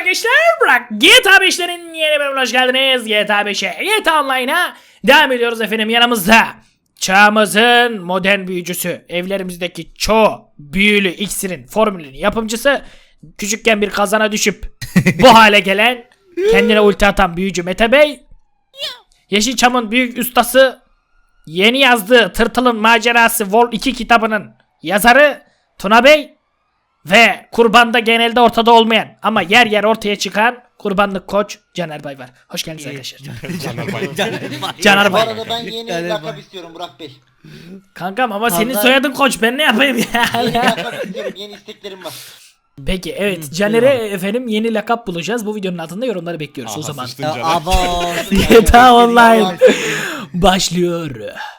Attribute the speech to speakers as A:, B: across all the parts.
A: arkadaşlar, bırak GTA 5'lerin yeni bölümüne hoş geldiniz. GTA 5'e, GTA Online'a devam ediyoruz efendim. Yanımızda çağımızın modern büyücüsü, evlerimizdeki çoğu büyülü iksirin formülünün yapımcısı, küçükken bir kazana düşüp bu hale gelen, kendine ulti atan büyücü Mete Bey, Yeşilçam'ın büyük ustası, yeni yazdığı Tırtıl'ın Macerası Vol 2 kitabının yazarı Tuna Bey ve kurbanda genelde ortada olmayan ama yer yer ortaya çıkan kurbanlık koç Caner Bay var. Hoş geldiniz arkadaşlar. Caner
B: Bu
A: Bay.
B: arada ben yeni lakap istiyorum Burak Bey.
A: Kankam ama senin
C: Kanka-
A: soyadın koç, ben ne yapayım
B: Yeni
A: ya?
B: lakap istiyorum, yeni isteklerim var.
A: Peki evet, Caner'e efendim yeni lakap bulacağız. Bu videonun altında yorumları bekliyoruz o zaman.
C: Abo.
A: GTA Online başlıyor.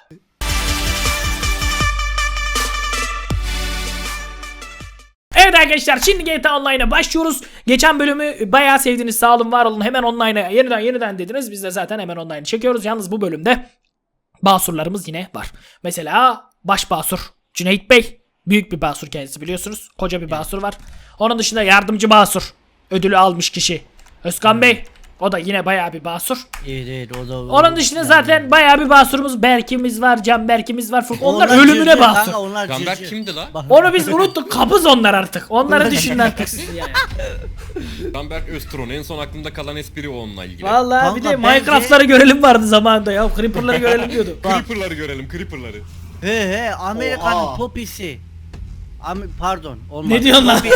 A: Evet arkadaşlar, şimdi GTA Online'a başlıyoruz. Geçen bölümü bayağı sevdiniz, sağ olun var olun, hemen Online'a yeniden dediniz. Biz de zaten hemen Online'ı çekiyoruz. Yalnız bu bölümde basurlarımız yine var. Mesela baş basur Cüneyt Bey, büyük bir basur kendisi, biliyorsunuz. Koca bir basur var. Onun dışında yardımcı basur ödülü almış kişi Özkan Bey. O da yine bayağı bir basur.
C: Evet o da.
A: Onun dışında zaten bayağı bir basurumuz, Berk'imiz var, Can Berk'imiz var. Onlar ölümüne
C: cırcır
A: basur.
C: kanka, onlar
D: Gamber
C: cırcır.
D: kimdi la?
A: Onu biz unuttuk. Kabız onlar artık. Onları düşünün artık siz yani.
D: Gamber Öztron. En son aklımda kalan espri o onunla ilgili.
A: Vallahi bir de
C: Kanka bence-
A: Minecraft'ları görelim vardı zamanında ya. Creeper'ları görelim diyordu.
D: Creeper'ları görelim, Creeper'ları.
C: He Amerika'nın
B: Oha.
C: popisi. Pardon olmaz.
A: Ne diyorsun lan?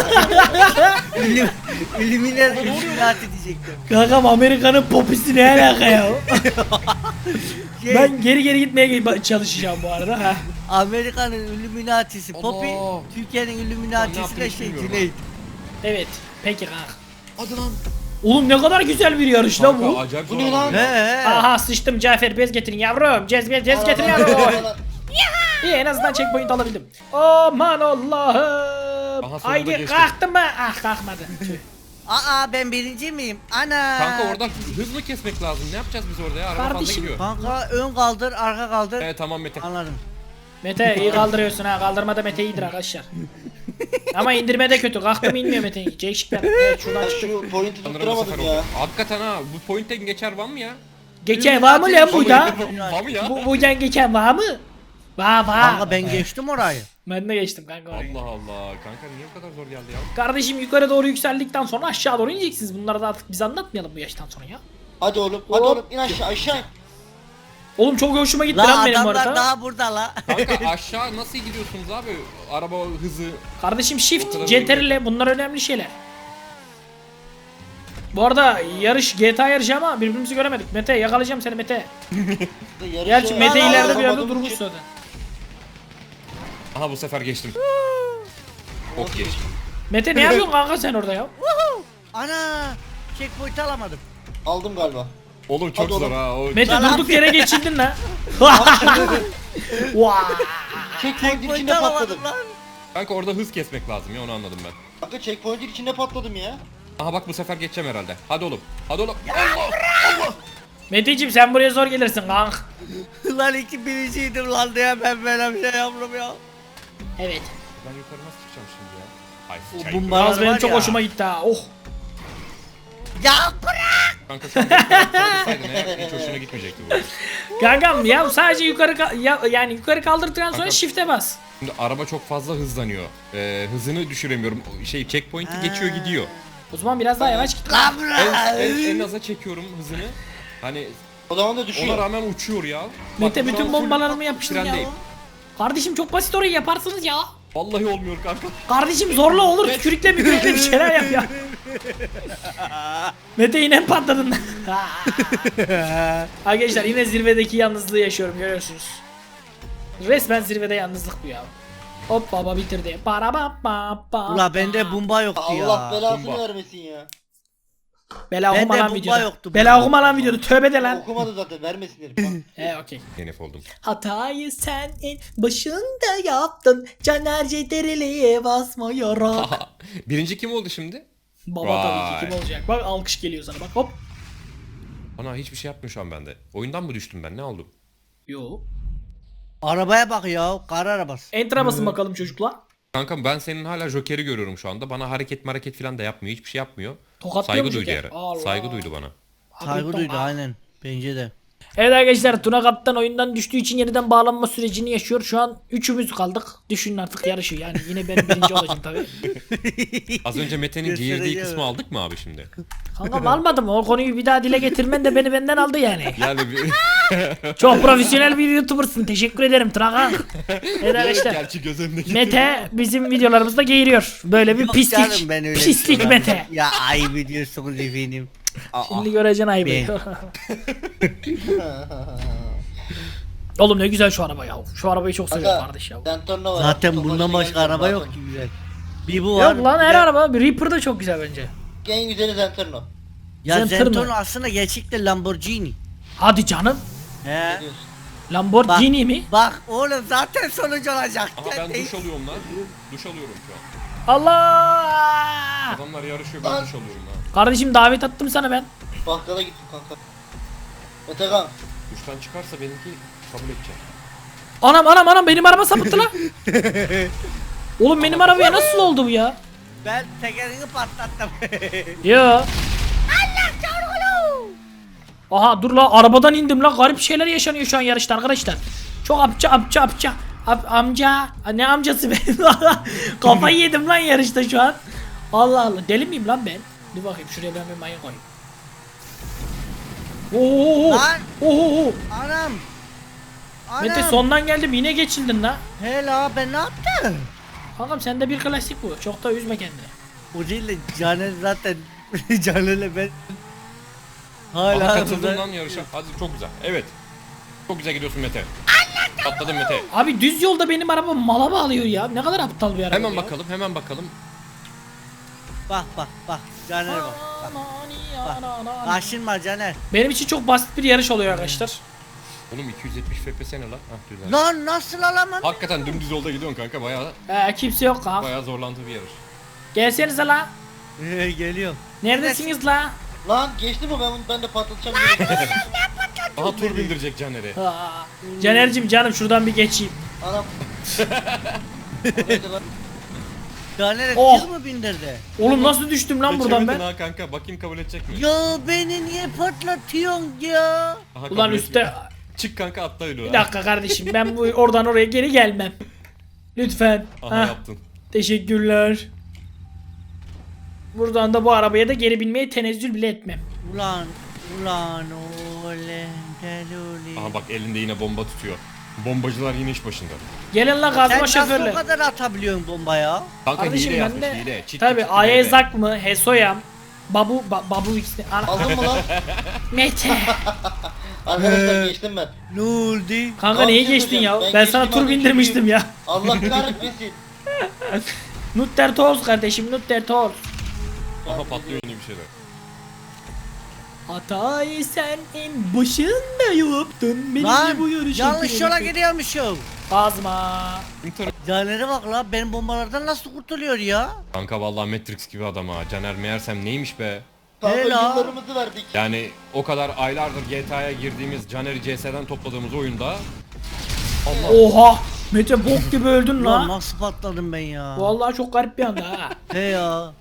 C: Illuminati diyecektim.
A: Kankam, Amerika'nın popisi ne alaka ya?
C: Şey,
A: Ben geri gitmeye çalışacağım bu arada. Ha.
C: Amerika'nın Illuminati'si Poppy,
D: Allah.
C: Türkiye'nin
D: Ben ne
C: Illuminati'si de
D: yaptığımı
C: şey
D: bilmiyorum
C: Cüneyt.
A: Evet. Peki kanka.
D: Hadi lan.
A: Oğlum ne kadar güzel bir yarış lan bu.
D: Acayip
B: Bu
D: zor
B: ne
D: oldu
B: lan?
C: He
D: ya.
C: he.
A: Aha sıçtım, Cafer bez getirin yavrum. Cez getirin yavrum. İyi, en azından checkpoint alabildim. Aman Allah'ım.
D: Aha, sonunda
A: Haydi
D: geçtim.
A: kalktın mı? Ah, kalkmadı. Tüh.
C: Aa ben birinci miyim? Ana.
D: Kanka orada hız mı kesmek lazım? Ne yapacağız biz orada ya? Araba fazla
A: Kardeşim.
D: gidiyor.
C: Kanka ön kaldır, arka kaldır.
D: Evet tamam Mete.
C: Anladım.
A: Mete iyi kaldırıyorsun ha. Kaldırmada Mete iyidir arkadaşlar. Ama indirmede kötü. Kalktım inmiyor Mete. Değişik bir. Evet, şuradan
B: Ben
A: çıktık.
B: şu pointi
D: Sanırım bu sefer
B: tutturamadım ya.
D: oldu. Hakikaten ha, bu point'ten geçer var mı ya?
A: Geçen var mı lan bu da?
D: Var mı ya?
A: Buradan geçen var mı? Var.
C: Kanka ben geçtim orayı.
A: Ben de geçtim kanka orayı.
D: Allah Allah. Kanka niye bu kadar zor geldi ya?
A: Kardeşim, yukarı doğru yükseldikten sonra aşağı doğru ineceksiniz. Bunları da artık biz anlatmayalım bu yaştan sonra ya.
B: Hadi oğlum, hadi
A: Hop.
B: oğlum, in aşağı in.
A: Oğlum çok hoşuma gitti
C: La
A: lan benim bu
C: adamlar
A: arada.
C: daha burada la.
D: Kanka aşağı nasıl gidiyorsunuz abi? Araba hızı.
A: Kardeşim
D: O
A: shift,
D: kadar
A: CTRL, bunlar önemli şeyler. Bu arada yarış GTA yarışı ama birbirimizi göremedik. Mete yakalayacağım seni Mete. Gerçi Mete ileride bir yerde durmuş zaten.
D: Aha bu sefer geçtim. Ok geç.
A: Mete ne yapıyorsun kanka sen orada ya?
C: Ana. Checkpoint alamadım.
B: Aldım galiba.
D: Oğlum çok
B: Hadi
D: zor
B: oğlum.
D: ha. O...
A: Mete
C: Lan
A: durduk yere geçildin lan. Vaa.
B: Checkpoint'in
C: Checkpoint
B: içinde patladım.
C: alamadım lan.
D: Kanka orada hız kesmek lazım ya, onu anladım ben.
B: Kanka checkpoint'in içinde patladım ya.
D: Aha bak bu sefer geçeceğim herhalde. Hadi oğlum. Hadi oğlum.
A: Meteciğim sen buraya zor gelirsin kanka.
C: Lan birinciydim lan diye ben böyle bir şey yaptım ya.
A: Evet.
D: Ben yukarı nasıl çıkacağım şimdi ya? Ay
C: O
D: sıçayım.
C: bomba-
A: Yalnız benim
C: var
A: çok
C: ya.
A: hoşuma gitti ha. Oh.
C: Ya bırak.
D: Kanka şu an yukarı eğer hiç hoşuna gitmeyecekti bu.
A: Kankam ya sadece yani yukarı kaldırdıktan sonra
D: Kanka-
A: shift'e bas.
D: Şimdi araba çok fazla hızlanıyor. Hızını düşüremiyorum. Şey checkpoint'i geçiyor gidiyor.
A: O zaman biraz daha yavaş git.
C: Lan
D: En,
C: bırak.
D: en aza çekiyorum hızını. Hani
B: O zaman da
D: ona
B: düşüyor.
D: rağmen uçuyor ya.
A: Mete
D: Bak, şu
A: bütün
D: an full
A: bombalarımı yapıştır ya.
D: trendeyim.
A: Kardeşim çok basit, orayı yaparsınız ya.
D: Vallahi olmuyor kanka.
A: Kardeşim zorla olur, tükürükle bir şeyler yap ya. Mete yine patladın. Arkadaşlar yine zirvedeki yalnızlığı yaşıyorum, görüyorsunuz. Resmen zirvede yalnızlık bu ya. Hop baba bitirdi. Para ba ba ba.
C: Ula bende bomba yoktu ya.
B: Allah belasını
D: Bomba.
B: vermesin ya.
A: Bela
C: Bende
A: okuma lan
C: bomba
A: videoda.
C: yoktu,
A: Bela
C: bomba.
A: okuma lan videoda. Tövbe de lan.
B: Okumadı zaten, vermesin herif.
A: Okey.
D: Yenef oldum.
A: Hatayı sen en başında yaptın. Caner CTRL'ye basmayarak.
D: Birinci kim oldu şimdi?
A: Baba tabii ki
D: Vay.
A: kim olacak? Bak alkış geliyor sana, bak hop.
D: Ana hiçbir şey yapmıyor şu an bende. Oyundan mı düştüm ben? Ne oldu?
A: Yo.
C: Arabaya bak ya. Kar arabası.
A: Enter'a basın bakalım çocuklar.
D: Kanka ben senin hala Joker'i görüyorum şu anda. Bana hareket falan da yapmıyor. Hiçbir şey yapmıyor.
A: Tokatlıyor mu
D: Saygı duydu
A: Joker?
D: yere.
A: Allah.
D: Saygı duydu bana.
C: Saygı
A: Hakikaten
C: duydu
A: ha.
C: aynen. Bence de.
A: Evet arkadaşlar, Tuna Kaptan oyundan düştüğü için yeniden bağlanma sürecini yaşıyor. Şu an üçümüz kaldık. Düşünün artık yarışı yani. Yine ben birinci olacağım tabii.
D: Az önce Mete'nin
C: Göstereceğim.
D: geğirdiği kısmı aldık mı abi şimdi?
A: Kankam almadım. O konuyu bir daha dile getirmen de beni benden aldı yani.
D: Yani bir...
A: Çok profesyonel bir YouTuber'sın. Teşekkür ederim Tuna kank. Evet arkadaşlar.
D: Gerçi göz önüne getirdim.
A: Mete bizim videolarımızda geğiriyor. Böyle bir
C: Yok
A: pislik.
C: canım, ben öyle
A: Pislik
C: şey
A: Mete.
C: yapmam. Ya ayıp ediyorsunuz efendim. Aa,
A: Şimdi göreceksin ayıbı.
C: Ben-
A: Oğlum ne güzel şu araba ya. Şu arabayı çok seviyorum
B: Kanka,
A: kardeş ya.
B: Zentorno var.
C: zaten
B: Çok
C: bundan
B: hoşuma
C: başka
B: gidiyor
C: araba yok
B: zaten.
C: ki güzel. Bir bu var.
A: Yok lan
C: bir
A: her
C: de-
A: araba. Reaper da çok güzel bence.
B: En güzeli Zentorno.
C: Ya
A: Zentorno.
C: Zentorno aslında gerçekten Lamborghini.
A: Hadi canım.
C: He.
B: Diyorsun.
A: Lamborghini mi?
C: Bak oğlum zaten sonucu olacak.
D: Aha ben
C: Sen
D: duş
C: de-
D: alıyorum lan. Duş alıyorum şu an.
A: Allah!
D: Adamlar yarışıyor ben
B: Lan.
D: duş alıyorum lan.
A: Kardeşim davet attım sana ben.
B: Bakkala gittim kanka. Metekan.
D: Duştan çıkarsa benimki kabul edecek.
A: Anam benim araba sapıttı lan. Oğlum benim arabaya nasıl oldu bu ya?
C: Ben tekerini patlattım.
A: Ya. Aha dur la, arabadan indim la, garip şeyler yaşanıyor şu an yarışta arkadaşlar. Çok amca ne amcası benim. Kafayı yedim lan yarışta şu an. Allah Allah, deli miyim lan ben? Dur bakayım şuraya ben bir mayın koyayım. Oo.
C: Lan.
A: Oo.
C: Anam. Anam.
A: Mete sondan geldim, yine geçildin la.
C: Hela ben ne yaptım?
A: Kankam sende bir klasik bu. Çok da üzme kendini.
C: O değil de Caner zaten Caner'le ben
D: Aha
C: hala
D: katıldın
C: burada-
D: lan yarışa. Hadi çok güzel. Evet. Çok güzel gidiyorsun Mete. Atladım Mete.
A: Abi düz yolda benim araba mala bağlıyor ya. Ne kadar aptal bir araba
D: Hemen
A: ya.
D: bakalım hemen bakalım.
C: Bak Caner'e bak. Kaşınma Caner.
A: Benim için çok basit bir yarış oluyor arkadaşlar.
D: Oğlum 270 FPS ne lan? Hah güzel.
C: Lan nasıl alamam?
D: Hakikaten dümdüz yolda gidiyorsun kanka bayağı
A: Kimse yok kanka.
D: bayağı zorlantılı bir yarış.
A: Gelsenize la.
C: Geliyorum.
A: Neredesiniz la?
B: Lan geçti mi ben de patlatacağım.
D: Aha tur bindirecek Caner'e.
A: Caner'cim canım şuradan bir geçeyim.
B: Anam. O neydi lan?
C: Caner'e
A: Oh.
C: tır mı bindirdi?
A: Oğlum nasıl düştüm lan buradan
D: Geçemedin
A: ben?
D: ha kanka bakayım kabul edecek mi?
C: Ya beni niye patlatıyorsun ya?
D: Aha,
A: Ulan
D: kabul
A: üstte.
D: etmiyor. Çık kanka atla öyle.
A: Bir dakika kardeşim, ben bu oradan oraya geri gelmem. Lütfen.
D: Aha
A: Hah,
D: yaptın.
A: teşekkürler. Buradan da bu arabaya da geri binmeye tenezzül bile etmem.
C: Ulan olen deluli.
D: Aha bak elinde yine bomba tutuyor. Bombacılar yine iş başında.
A: Gelin la
C: Sen
A: gazma
C: nasıl o
A: şoförler.
C: kadar atabiliyorsun bomba ya?
D: Kanka
A: Kardeşim
D: hile
A: ben
D: yapmış
A: de
D: hile. Çit
A: tabi
D: çit
A: Ayezak mı, Hesoyam, Babu X'ni.
B: Aldın mı lan?
A: Mete.
B: Arkadaşlar geçtim ben.
C: Ne oldu?
A: Kanka neyi geçtin ya? Ben sana tur bindirmiştim ya.
B: Allah kahretmesin.
A: Nutter Toz kardeşim, Nutter Toz.
D: Aha patlıyor yine bir şeyler.
A: Hatayı sen en başında yaptın. Beni
C: Lan
A: bu yarışa
C: yanlış yola
A: bırakın.
C: gidiyormuşum.
A: Kazma.
C: Caner'e bak la benim bombalardan nasıl kurtuluyor ya?
D: Kanka vallahi Matrix gibi adam ha. Caner meğersem neymiş be?
B: Kanka
C: Helal.
B: yıllarımızı verdik.
D: Yani o kadar aylardır GTA'ya girdiğimiz Caner'i CS'den topladığımız oyunda Allah
A: Oha. Mete bok gibi öldün
C: Lan
A: la.
C: nasıl patladım ben ya?
A: Vallahi çok garip bir anda ha.
C: He ya.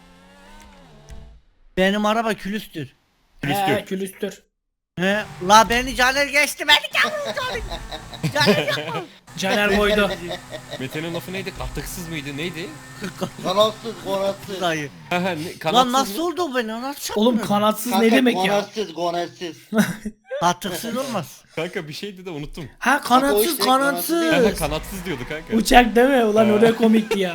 C: Benim araba külüstür.
A: He, külüstür.
C: He. La beni Caner geçti beni Caner. Caner yapma.
A: Caner koydu.
D: Mete'nin lafı neydi? Katıksız mıydı? Neydi?
B: Kanatsız, konatsız.
C: Dayı.
D: Kanatsız
C: Lan nasıl
D: mı?
C: oldu beni nasıl
A: Oğlum
C: çarptın?
A: kanatsız
B: Kanka,
A: ne demek ya?
B: konatsız, konatsız.
C: Katıksız olmaz.
D: Kanka bir şeydi de unuttum.
A: Ha
B: Kanka, o
A: kanatsız
B: işte
A: kanatsız.
D: Kanatsız diyordu kanka.
A: Uçak deme ulan, o ne komikti ya.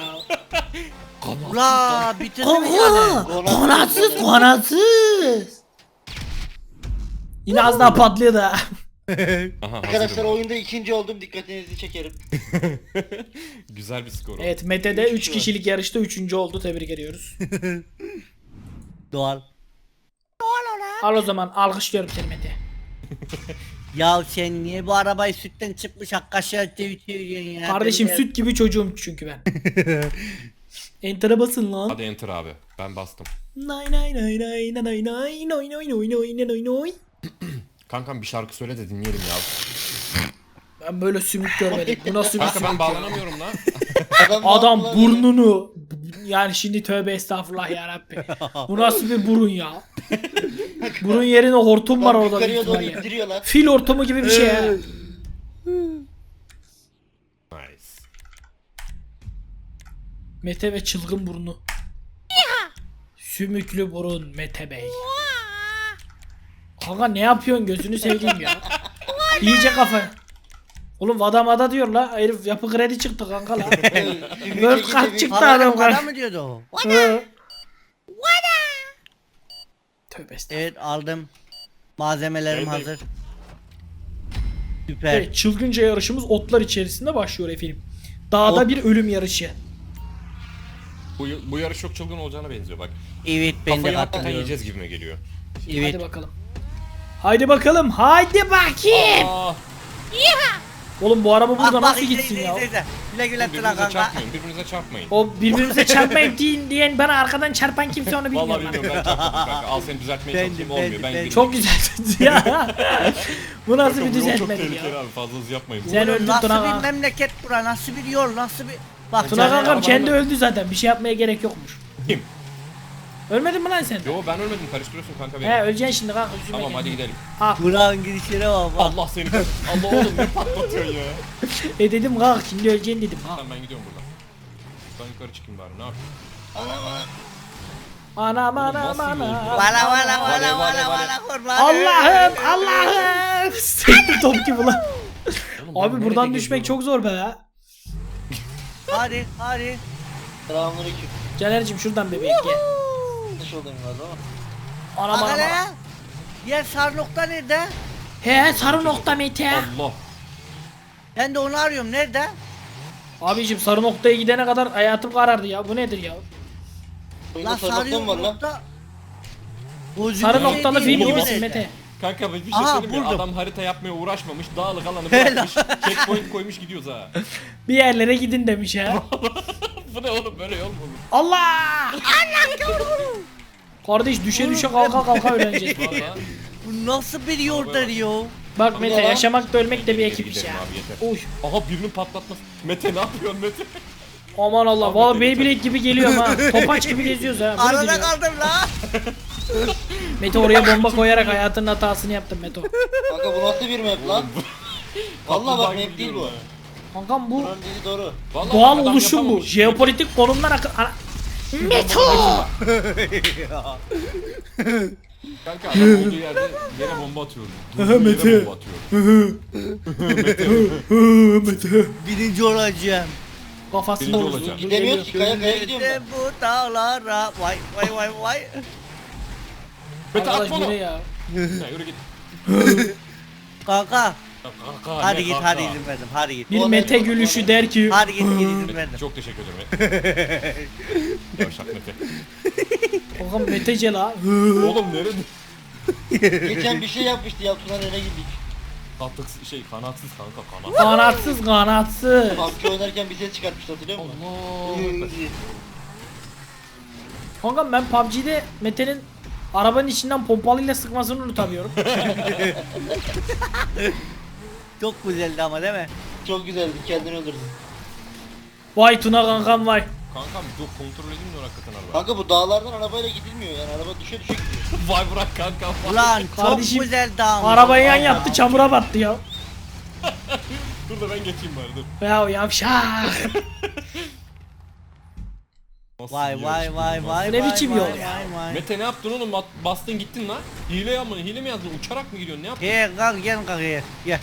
C: La bitirdi mi Caner?
A: Kanka kanatsız kanatsız. Yine az daha patlıyor da.
D: Aha,
B: Arkadaşlar
D: hazırım.
B: oyunda ikinci oldum, dikkatinizi çekerim.
D: Güzel bir skor.
A: Evet, Mete de 3 kişilik yarışta 3. oldu, tebrik ediyoruz.
C: Doğal.
A: Al o zaman, alkışlıyorum seni Mete.
C: Ya sen niye bu arabayı sütten çıkmış hakkaşa tevtiriyorsun ya?
A: Kardeşim
C: Ben-
A: süt gibi çocuğum çünkü ben. Enter'a basın lan.
D: Hadi enter abi. Ben bastım.
A: Nay nay nay nay nay nay nay nay nay nay nay nay nay.
D: Kankam bir şarkı söyle de dinleyelim ya.
A: Ben böyle sümük görmedim. Bu nasıl bir
D: Kanka
A: sümük
D: ben
A: ya?
D: bağlanamıyorum lan.
A: Adam
B: bağlı lan.
A: burnunu yani şimdi tövbe estağfurullah ya Rabbi. Bu nasıl bir burun ya? Burun yerine hortum var
B: Bak
A: orada. büyük
B: yukarıya doğru
A: ihtimalle.
B: indiriyorlar.
A: Fil hortumu gibi bir şey ya.
D: Nice.
A: Mete ve çılgın burnu. Sümüklü burun Mete Bey. Kanka ne yapıyorsun gözünü seveyim ya. İyice kafa. Oğlum vada diyor la. Herif yapı kredi çıktı kanka la. World Cup çıktı adam
C: Adam
A: kanka.
C: mı diyordu o?
A: Hı. Tövbe estağfurullah.
C: Evet aldım. Malzemelerim
D: Neredeyim?
C: hazır. Süper.
A: Evet, çılgınca yarışımız otlar içerisinde başlıyor efendim. Dağda bir ölüm yarışı.
D: Bu yarış çok çılgın olacağına benziyor bak.
C: Evet ben de
D: Kafayı hakikaten
C: katılıyorum.
D: yiyeceğiz gibime geliyor.
C: Evet.
A: Hadi bakalım. Haydi bakalım. Haydi bakayım.
D: Aa,
A: Oğlum bu araba burada
C: Bak,
A: nasıl
C: bak,
A: gitsin ya?
C: izle. Güle güle tıra
D: birbirinize
C: kanka.
D: çarpmayın, birbirinize çarpmayın.
A: O birbirimize çarpmayın diyen bana arkadan çarpan kimse onu bilmiyor.
D: Vallahi
A: lan.
D: bilmiyorum ben çarpmadım kanka. Al seni düzeltmeye
C: Bendim,
D: çalışayım olmuyor.
C: bendim,
D: Ben
C: bendim.
D: girdim.
A: Çok güzel ya. Bu nasıl bir
D: Bu yol çok
A: düzeltmedir
D: tehlikeli
A: ya?
D: abi fazla hız yapmayın.
A: Sen öldün
C: Nasıl
A: Tuna
C: bir
A: kanka.
C: memleket bura? Nasıl bir yol? Nasıl bir... Bak
A: Tuna
C: sen-
A: kankam kendi
D: arabanın-
A: öldü zaten. Bir şey yapmaya gerek yokmuş.
D: Kim?
A: Ölmedin mi lan sen?
D: Yo ben ölmedim karıştırıyorsun kanka beni.
A: He öleceksin şimdi kanka. Üzülme
D: Tamam hadi
A: kendini.
D: gidelim.
C: Burak'ın girişine bak.
D: Allah seni. Allah oğlum ne patlatıyorsun ya.
A: Dedim kanka şimdi öleceksin dedim. Ha.
D: Tamam ben gidiyorum buradan. Ben yukarı çıkayım bari ne yapayım.
A: Anam
D: Oğlum,
A: anam
D: nasıl bir yol
A: anam.
D: bu?
C: Valla valla
D: Vale,
C: valla
D: vale,
C: valla
D: vale.
C: valla kurban.
A: Allah'ım Allah'ım. Sekti top gibi lan.
D: Oğlum, ben
A: Abi
D: nerede
A: buradan düşmek
D: geziyorum?
A: çok zor be ya.
C: Hadi hadi.
B: Selamünaleyküm.
A: Caner'cim şuradan bebeğim gel.
B: Dış olayım galiba ama.
A: Anam
C: Bak
A: anam.
C: hele. Yer sar nokta nerede?
A: He sarı nokta Mete.
D: Allah.
C: Ben de onu arıyorum. Nerede?
A: Abicim sarı noktaya gidene kadar hayatım karardı ya. Bu nedir ya?
B: Oyunda
C: Lan
B: sarı nokta
C: sarıyor
B: mı var lan?
C: nokta. Bozuk
A: Sarı
C: bir şey
A: noktalı
C: değil,
A: fil
C: bu
A: gibisin
C: nerede?
A: Mete.
D: Kanka bir şey
C: Aha,
D: söyleyeyim mi?
C: buldum.
D: Adam harita yapmaya uğraşmamış. Dağlık alanı
C: Helal.
D: bırakmış. Checkpoint koymuş gidiyoruz ha.
A: Bir yerlere gidin demiş ha.
D: Bu ne oğlum böyle yol mu olur?
A: Allah! Kardeş düşe düşe kalka kalka öğreneceğiz.
D: Valla.
C: Bu nasıl bir yoldur ya?
A: Bak Mete
B: Ya.
A: yaşamak da ölmek de bir ekip iş
D: Gidelim
A: ya.
D: abi, yeter.
A: Uy.
D: Aha birinin patlatması. Mete ne yapıyorsun Mete?
A: Aman Allah.
D: Abi,
A: Valla
D: Mete,
A: Beyblade gibi geliyorum ha. Topaç gibi geziyoruz ha. Bunu
C: Arada
A: biliyorum.
C: kaldım la.
A: Mete oraya bomba koyarak hayatının hatasını yaptın Meto.
B: Kanka bu nasıl bir map lan? Vallahi bak map değil bu.
A: Kankam bu
B: Buranın dediği doğru.
D: Vallahi
A: doğal
D: adam
A: oluşum bu.
D: yapamamış.
A: Jeopolitik konumdan akıl... Meto!
D: Kanka adam olduğu yerde yere bomba atıyor. Durduğu
A: Mete.
D: yere bomba atıyor.
A: Mete.
C: Birinci olacağım.
A: Kafasında
D: Birinci
A: oldu.
D: olacağım.
B: Gidemiyoruz ki kaya kaya gidiyorum
C: Gönlümde
B: ben.
C: bu dağlara. Vay vay vay vay.
D: Mete
A: Arkadaş
D: atma
A: bu
D: onu.
A: ne
D: Ya
A: ya?
D: yürü git.
C: Kanka.
D: Ya kanka,
C: Hadi
D: ne
C: git
D: kanka?
C: hadi izin verdim. Hadi git.
A: Bir Mete gülüşü der ki
C: Hadi git izin
D: Mete,
C: verdim.
D: çok teşekkür ederim. Yavşak Mete.
A: Kankam Metece la.
D: Oğlum nerede?
B: Geçen bir şey yapmıştı ya Tuna nereye gittik.
D: Kanatsız şey kanatsız kanka kanat.
A: Kanatsız kanatsız.
B: PUBG oynarken bir ses çıkartmıştı hatırlıyor musun?
D: Allah.
A: Kankam ben PUBG'de Mete'nin arabanın içinden pompalıyla sıkmasını unutamıyorum.
C: Çok güzeldi ama değil mi?
B: Çok güzeldi kendini öldürdün.
A: Vay Tuna kankam vay.
D: Kankam dur kontrol edeyim de hakikaten araba.
B: Kanka bu dağlardan arabayla gidilmiyor yani araba düşe düşe gidiyor.
D: Vay bırak kanka. vay.
C: Ulan çok
A: Kardeşim,
C: güzeldi ama.
A: Arabayı yan yaptı çamura battı ya.
D: Dur da ben geçeyim bari dur.
A: Ya yavşak.
D: Nasıl
C: Vay
D: bir
C: vay
D: yarış bu,
C: vay
D: nasıl-
C: vay.
A: Ne
C: vay,
A: biçim
C: vay,
A: yol
C: vay,
A: ya?
C: vay.
D: Mete ne yaptın oğlum? Bastın gittin lan. Hile mi yazdın? Uçarak mı gidiyorsun? Ne yaptın?
C: Gel kalk gel kalk gel. Gel.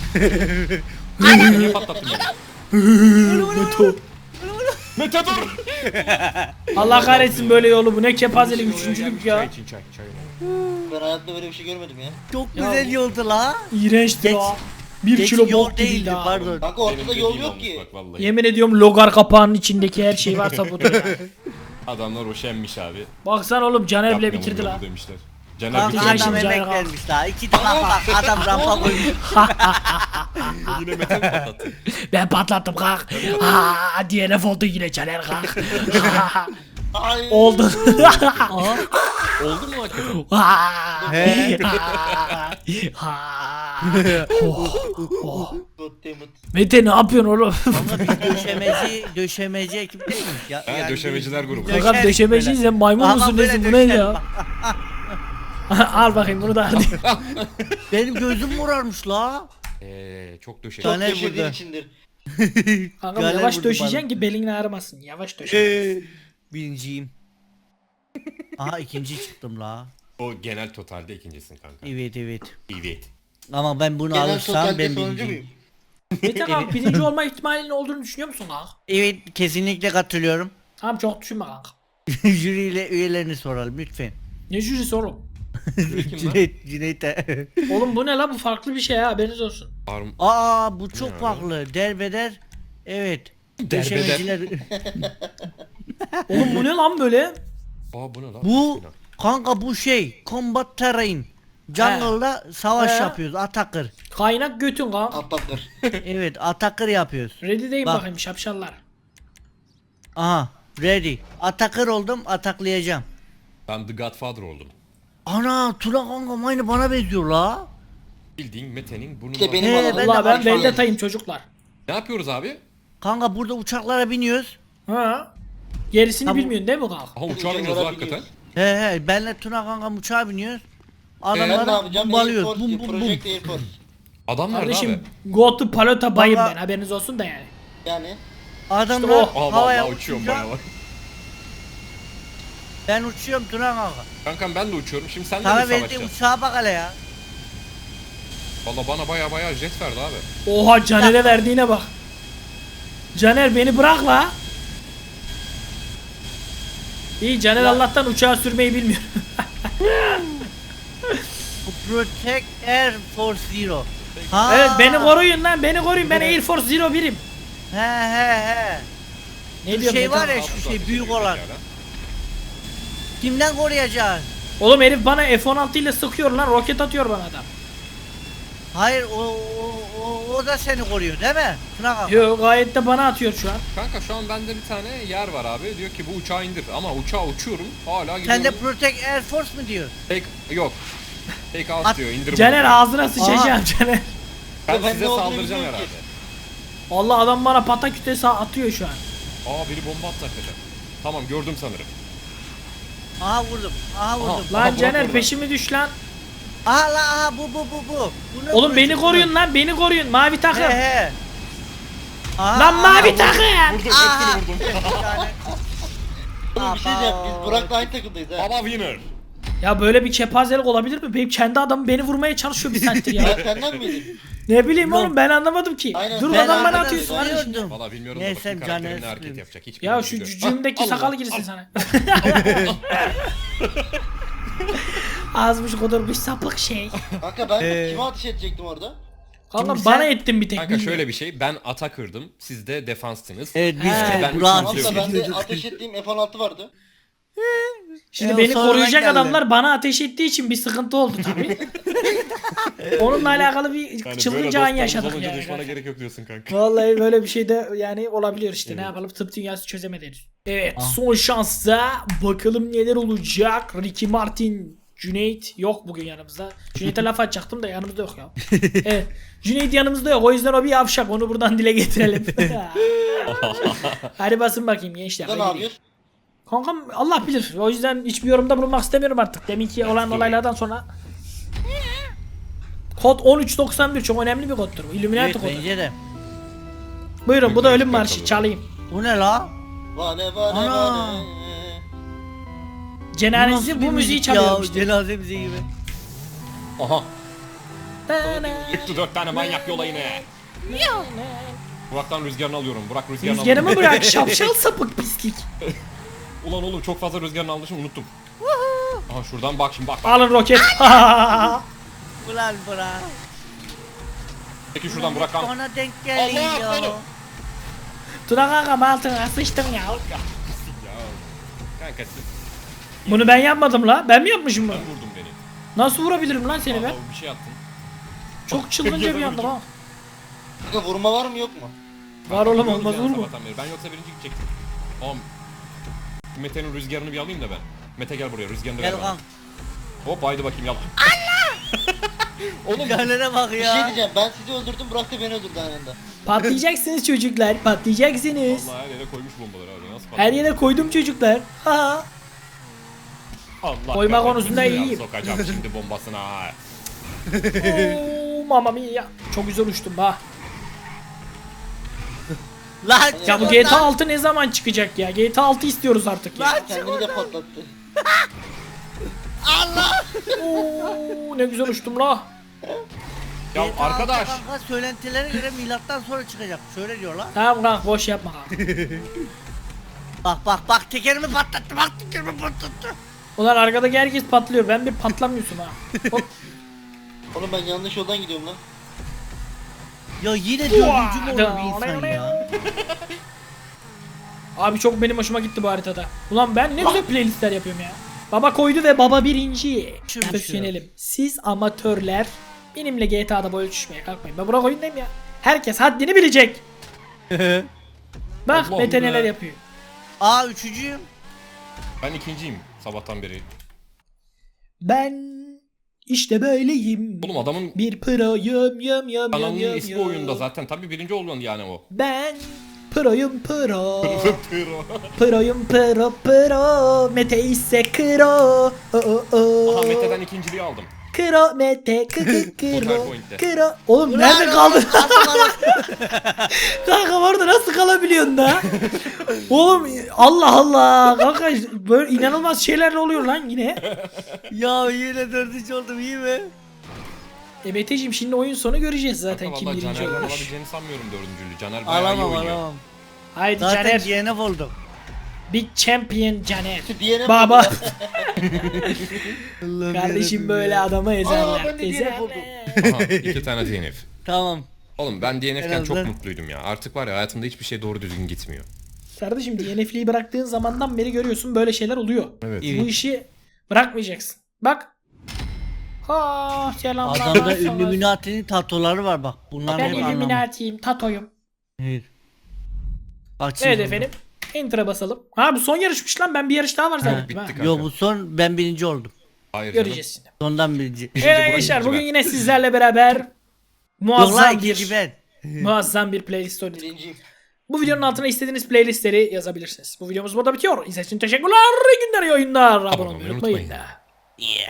D: Niye patlattın beni?
A: Meto.
D: Mete dur!
A: Allah kahretsin böyle yolu bu ne kepazelik üçüncülük
D: Çay
A: ya.
D: için çay.
B: Ben hayatta böyle bir şey görmedim ya.
C: Çok
A: Ya
C: güzel
A: bu-
C: yoldu la.
A: İğrençti
C: Geç-
A: o. 1
C: Geç
A: kilo
C: yol
A: bok
C: değildi
A: gibiydi ha.
C: pardon.
B: Kanka ortada yol yok ki.
D: Bak vallahi.
A: Yemin ediyorum logar kapağının içindeki her şey varsa budur ya.
D: Adamlar hoşenmiş abi.
A: Baksana oğlum Caner bile
D: Yapmayalım
A: bitirdi
D: yolu
A: la.
D: Demişler. Caner
C: Kanka
A: bitirmiş
C: adam
A: şimdi,
C: emek
A: Caner
C: vermiş la. İki tane bak adam rampa koymuş.
D: Yine Mete mi patlattı?
A: Ben patlattım kalk. Ha DNF oldu yine Caner kalk.
B: Ay.
A: Oldu.
D: Oldu mu hakikaten?
A: Ha.
C: He.
A: Ha.
B: Goddammit.
A: Mete ne yapıyorsun oğlum?
C: Kanka biz döşemeci ekip değil miyiz? Ya,
D: Ha, döşemeciler grubu.
C: döşeriz
A: Fakat döşemeciyiz
C: böyle.
A: sen maymun
C: Aha,
A: musun
C: böyle
A: nesin bu ne
C: döşeriz.
A: ya? Al bakayım bunu da hadi.
C: Benim gözüm morarmış la.
D: Çok döşemiş.
B: Çok
C: Caner
B: döşediğin
C: burada.
B: içindir.
A: Kanka
C: Galer
A: yavaş
C: vurdu
A: döşeyeceksin
C: bana.
A: ki belin ağrımasın. Yavaş döşe.
C: Birinciyim. Aha ikinci çıktım la.
D: O genel totalde ikincisin kanka.
C: Evet.
D: Evet.
C: Ama ben bunu
B: Genel
C: alırsam
B: totalde
C: ben
B: sonuncu
C: birinciyim.
B: muyum?
A: Mete kanka birinci olma ihtimalinin olduğunu düşünüyor musun kanka?
C: Evet kesinlikle katılıyorum.
A: Tamam çok düşünme kanka.
C: Jüriyle üyelerini soralım lütfen.
A: Ne jürisi oğlum?
D: Kim lan?
C: Cüneyt'e.
A: Oğlum bu ne la bu farklı bir şey ha haberiniz olsun.
C: Aa bu çok
D: Ya.
C: farklı. Derbeder. Evet.
D: Derbeder.
C: Döşemeciler.
A: Oğlum bu ne lan böyle?
D: Aa bu ne lan?
C: Bu
D: Bismillah.
C: kanka bu şey combat terrain. Jungle'da savaş
A: He.
C: yapıyoruz. Atakır.
A: Kaynak götün kanka.
B: Atlatır.
C: Evet atakır yapıyoruz.
A: Ready deyim
C: Bak.
A: bakayım şapşallar.
C: Aha ready. Atakır oldum ataklayacağım.
D: Ben The Godfather oldum.
C: Ana Tuna kanka aynı bana benziyor la.
D: Bildiğin Mete'nin bunu
B: İşte benim
C: He,
B: alanım.
C: ben de
A: Allah ben
C: Alfa
A: Vendeta'yım çocuklar.
D: Ne yapıyoruz abi?
C: Kanka burada uçaklara biniyoruz.
A: Ha? Gerisini
C: Tamam.
A: bilmiyorsun değil mi kanka?
D: Aha uçağa biniyoruz lan hakikaten.
C: He benle Tuna kanka uçağa biniyoruz.
B: Ben ne
C: Adamlara
B: yapacağım?
C: bombalıyoruz.
B: Airforce,
C: Bum bum bum.
B: Project Airforce.
D: Adamlar nerede abi?
A: Kardeşim go to Palota bayım
C: Valla-
A: ben haberiniz olsun da yani.
B: Yani.
C: Adamlar
A: İşte
D: Aa
C: havaya
D: vallahi uçuyorum
C: uçunca
D: bayağı.
C: ben uçuyorum Tuna kanka.
D: Kankam ben de uçuyorum. Şimdi sen de mi
C: Sana verdiğim
D: savaşacaksın?
C: uçağa bak hele ya.
D: Valla bana bayağı jet verdi abi.
A: Oha Caner'e verdiğine bak. Caner beni bırak la. İyi Caner Allah'tan uçağı sürmeyi bilmiyor.
C: Bu Protect Air Force Zero. Ha.
A: Evet beni koruyun lan beni koruyun ben Air Force Zero birim.
C: He.
A: Ne
C: Şu
A: diyor
C: şey
A: Mete?
C: var ya şu şey büyük olan. Kimden koruyacaksın?
A: Oğlum herif bana F-16 ile sıkıyor lan roket atıyor bana adam.
C: Hayır o da seni koruyor değil mi? Tuna kanka.
A: Yo gayet de bana atıyor şu an.
D: Kanka şu an bende bir tane yer var abi. Diyor ki bu uçağı indir. Ama uçağa uçuyorum. Hala gidiyorum.
C: Sen de Protect Air Force mu diyor?
D: Yok. Take out
C: At-
D: diyor. İndir bunu.
A: Caner
D: diyor.
A: ağzına sıçacağım Caner.
D: Ben
B: Ben
D: size
B: ne olduğunu
D: saldıracağım
B: bilmiyorum
D: herhalde.
B: ki.
A: Allah adam bana patak kütesi atıyor şu an.
D: Aa biri bomba attı hakikaten. Tamam gördüm sanırım.
C: Aha vurdum. Aha vurdum.
D: Aha.
A: Lan
D: Burak
A: Caner
D: orada.
A: peşimi düş lan.
C: Aha la aha bu. Bunu
A: Oğlum beni
C: vuracağım,
A: koruyun lan beni koruyun mavi takım.
C: He. Aha,
A: Lan mavi
C: aha,
A: takım.
D: Vurdum
C: Aha.
D: hepsini vurdum.
C: Bir tane.
B: Oğlum bir şey diyeceğim. Biz Burak'la aynı takımdayız ha.
D: Baba winner.
A: Ya böyle bir kepazelik olabilir mi? Benim kendi adamım beni vurmaya çalışıyor bir saattir
B: Ben
A: ya.
B: senden miydin?
A: Ne bileyim oğlum ben anlamadım ki.
B: Aynen.
A: Dur
B: Ben
A: adam bana
B: arkadan
A: atıyorsun kardeşim.
C: sarıyordum.
D: Valla bilmiyorum
C: Neyse,
D: da bakayım
C: Caner
D: karakterim ne hareket
C: sıkıyor.
D: yapacak. Hiç
A: Ya
D: bilmiyorum,
A: şu
D: biliyorum.
A: cücüğümdeki
D: Allah,
A: sakal
D: Allah.
A: girsin sana. Azmış kodurmuş sapık şey.
B: Kanka ben kime ateş edecektim orada?
A: Kanka
C: Şimdi
A: bana
C: sen-
A: ettin bir tek.
D: Kanka şöyle bir şey. Ben ata kırdım. Siz de defanstınız.
C: Evet biz
A: He,
C: de
D: ben
C: Burak'ı
B: Tamam da
D: Tamam,
B: bende ateş ettiğim F-16 vardı.
A: Şimdi
C: o
A: beni
C: sonradan
A: koruyacak
C: geldi.
A: adamlar bana ateş ettiği için bir sıkıntı oldu tabii. Onunla alakalı bir
D: Yani böyle
A: çılgınca an
D: dostlarımız
A: yaşadık
D: olunca
A: yani.
D: düşmana gerek yok diyorsun kanka.
A: Vallahi böyle bir şey de yani olabiliyor işte. Ne
D: Evet.
A: yapalım tıp dünyası çözemedi henüz. Evet
C: Ah.
A: son şansta bakalım neler olacak. Ricky Martin, Cüneyt yok bugün yanımızda. Cüneyt'e laf atacaktım da yanımızda yok ya. Evet. Cüneyt yanımızda yok o yüzden o bir yavşak onu buradan dile getirelim. Hadi basın bakayım gençler.
B: Sen ne
A: hadi.
B: yapıyorsun?
A: Kankam Allah bilir. O yüzden hiçbir yorumda bulunmak istemiyorum artık. Deminki olan olaylardan sonra. Kod 1391 çok önemli bir koddur bu. Illuminati
C: Evet
A: kodu.
C: bence de.
A: Buyurun bu da ölüm
D: Illuminati
A: marşı
D: kodu.
A: çalayım.
C: Bu ne la?
B: Vane
C: Ana.
B: vane.
A: Cenazesi
C: Nasıl
A: bu
C: bir
A: müziği
C: müzik
A: çalıyorum
C: ya,
A: işte.
C: Cenaze müziği gibi.
D: Aha.
A: Tana.
D: Gitti 4 tane manyak yola yine. Burak'tan rüzgarını alıyorum. Burak rüzgarını
A: Rüzgarımı bırak şapşal sapık pislik.
D: Ulan oğlum çok fazla rüzgarını almışım unuttum. Aha şuradan bak şimdi bak.
A: Alın roket.
C: Ulan Burak.
D: Peki şuradan Burak kan.
C: Ona denk
D: Allah,
C: geliyor.
D: oğlum.
A: Tuna kankam altına sıçtım ya.
D: Ya. Kanka
A: Bunu ben yapmadım la. Ben mi yapmışım bunu?
D: sen vurdun beni.
A: Nasıl vurabilirim lan seni ben?
D: Allah, bir şey attın.
A: Çok çılgınca bir anda ha.
B: Kanka vurma var mı yok mu?
A: Var oğlum
D: Biliyoruz
A: olmaz
D: yani
A: olur mu?
D: sabahtan beri. Ben yoksa birinci gidecektim. Oğlum. Mete'nin rüzgarını bir alayım da ben. Mete gel buraya rüzgarını ver
C: Gel
D: bana.
C: kan.
D: Hop haydi bakayım yap. Allah! Oğlum
C: Caner'e bak
B: Bir şey
C: ya.
B: diyeceğim, ben sizi öldürdüm, Burak da beni öldürdü aynı anda.
A: Patlayacaksınız çocuklar. Patlayacaksınız.
D: Allah her yere koymuş bombaları abi. Nasıl
A: Her yere koydum çocuklar. Ha.
D: Allah
A: Koyma
D: kahretsin
A: konusunda
D: ya,
A: iyiyim.
D: Sokacağım şimdi bombasına. ha.
A: Oo, mamma mia. Çok güzel uçtum ha.
C: Lan
A: Ya bu
C: çık
A: GTA
C: oradan.
A: 6 ne zaman çıkacak ya? GTA 6 istiyoruz artık ya.
C: Lan çık
B: Kendini de
C: oradan.
B: patlattı.
C: Allah.
A: Oo, ne güzel uçtum la.
D: Ya
C: GTA
D: arkadaş.
C: Kanka söylentilere göre milattan sonra çıkacak. Şöyle diyorlar.
A: Tamam kanka boş yapma.
C: Bak tekerimi patlattı. Bak tekerimi patlattı.
A: Ulan arkadaki herkes patlıyor. Ben bir patlamıyorsun ha. Hop.
B: Oğlum ben yanlış yoldan gidiyorum lan.
C: Ya yine dördüncü mü olur bir insan ya?
A: Abi çok benim hoşuma gitti bu haritada. Ulan ben ne güzel playlistler yapıyorum ya. Baba koydu ve baba birinci. Profesyonelim. Siz amatörler benimle GTA'da boy ölçüşmeye kalkmayın. Ben Burak oyundayım ya. Herkes haddini bilecek. Bak
D: Allah'ım
A: Mete neler
D: be.
A: yapıyor.
C: Aa üçüncüyüm.
D: Ben ikinciyim sabahtan beri.
A: Ben işte böyleyim.
D: Oğlum adamın
A: Bir proyum yum
D: kanalının ismi oyunda zaten. Tabii birinci oldu yani o.
A: Ben proyum pro. Proyum pro. Mete ise kro.
D: Aha Mete'den ikinciliği aldım.
A: Kro Mete kro.
D: Point'te.
A: Kro. Oğlum nerede kaldın? Kanka orada nasıl kalabiliyorsun da? Oğlum Allah Allah. Kanka böyle inanılmaz şeyler oluyor lan yine.
C: Ya yine dördüncü oldum iyi mi?
A: Meteciğim şimdi oyun sonu göreceğiz zaten kim
D: Vallahi
A: birinci
D: Caner'den
A: olmuş.
D: alabileceğini sanmıyorum dördüncülüğü. Caner bayağı iyi
C: Alamam
D: oynuyor.
C: alamam.
A: Haydi
C: Zaten
A: Caner.
C: DNF oldum.
A: Big Champion Caner.
B: Diğerine
A: Baba.
C: Allah'ım
A: Kardeşim
C: yarabbim
A: böyle
C: ya.
A: adamı ezerler.
C: ben de DNF
A: Ezerler.
C: oldum.
D: Aha 2 tane DNF.
C: Tamam.
D: Oğlum ben
C: En
D: DNF'ken çok
C: azından-
D: mutluydum ya. Artık var ya hayatımda hiçbir şey doğru düzgün gitmiyor.
A: Kardeşim DNF'liği bıraktığın zamandan beri görüyorsun böyle şeyler oluyor.
D: Evet.
A: Bu işi bırakmayacaksın. Bak. Ha selamlar.
C: Adamda Illuminati'nin tatoları var bak. Bunlar
A: Ben
C: hep anlamı.
A: Illuminati'yim, Tato'yum.
C: Evet. Açayım
A: Evet
C: onu.
A: efendim. Enter'a basalım. Ha bu son yarışmış lan. Ben bir yarış daha var zannettim ha.
D: bitti kanka.
C: Yo bu son ben birinci oldum.
D: Hayır canım.
A: Göreceğiz şimdi.
C: Sondan birinci.
A: Evet
D: Burak
A: arkadaşlar
D: ikinci
A: bugün
D: ben.
A: yine sizlerle beraber
C: Yok
A: muazzam
C: lan ikinci
A: bir
C: ben.
A: muazzam bir playlist oynadık.
B: Birinciyim.
A: Bu videonun altına istediğiniz playlistleri yazabilirsiniz. Bu videomuz burada bitiyor. İzlediğiniz için teşekkürler. İyi günler, iyi oyunlar. Abone olmayı unutmayın.
D: unutmayın.
C: Yeah.